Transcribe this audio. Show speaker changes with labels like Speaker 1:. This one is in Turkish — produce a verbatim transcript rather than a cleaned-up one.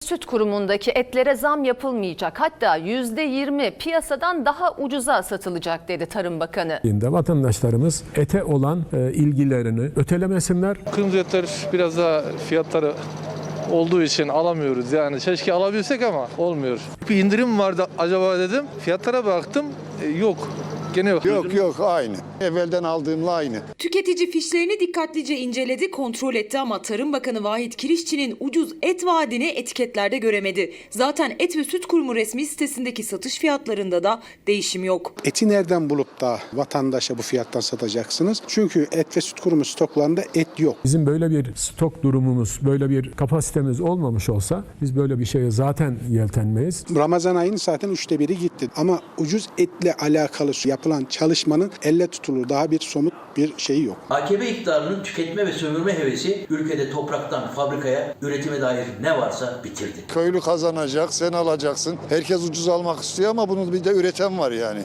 Speaker 1: Süt kurumundaki etlere zam yapılmayacak. Hatta yüzde yirmi piyasadan daha ucuza satılacak dedi Tarım Bakanı.
Speaker 2: Vatandaşlarımız ete olan e, ilgilerini ötelemesinler.
Speaker 3: Kırmızı etler biraz daha fiyatları olduğu için alamıyoruz. Yani keşke alabilsek ama olmuyor. Bir indirim vardı acaba dedim. Fiyatlara baktım e, yok. Gene yok.
Speaker 4: Yok yok aynı. Evvelden aldığımla aynı.
Speaker 5: Tüketici fişlerini dikkatlice inceledi, kontrol etti ama Tarım Bakanı Vahit Kirişçi'nin ucuz et vaadini etiketlerde göremedi. Zaten Et ve Süt Kurumu resmi sitesindeki satış fiyatlarında da değişim yok.
Speaker 6: Eti nereden bulup da vatandaşa bu fiyattan satacaksınız? Çünkü Et ve Süt Kurumu stoklarında et yok.
Speaker 2: Bizim böyle bir stok durumumuz, böyle bir kapasitemiz olmamış olsa biz böyle bir şeye zaten yeltenmeyiz.
Speaker 6: Ramazan ayının zaten üçte biri gitti. Ama ucuz etle alakalı yapılan çalışmanın elle tutulur daha bir somut bir şeyi yok.
Speaker 7: A K P iktidarının tüketme ve sömürme hevesi ülkede topraktan fabrikaya, üretime dair ne varsa bitirdi.
Speaker 4: Köylü kazanacak, sen alacaksın. Herkes ucuz almak istiyor ama bunu bir de üreten var yani.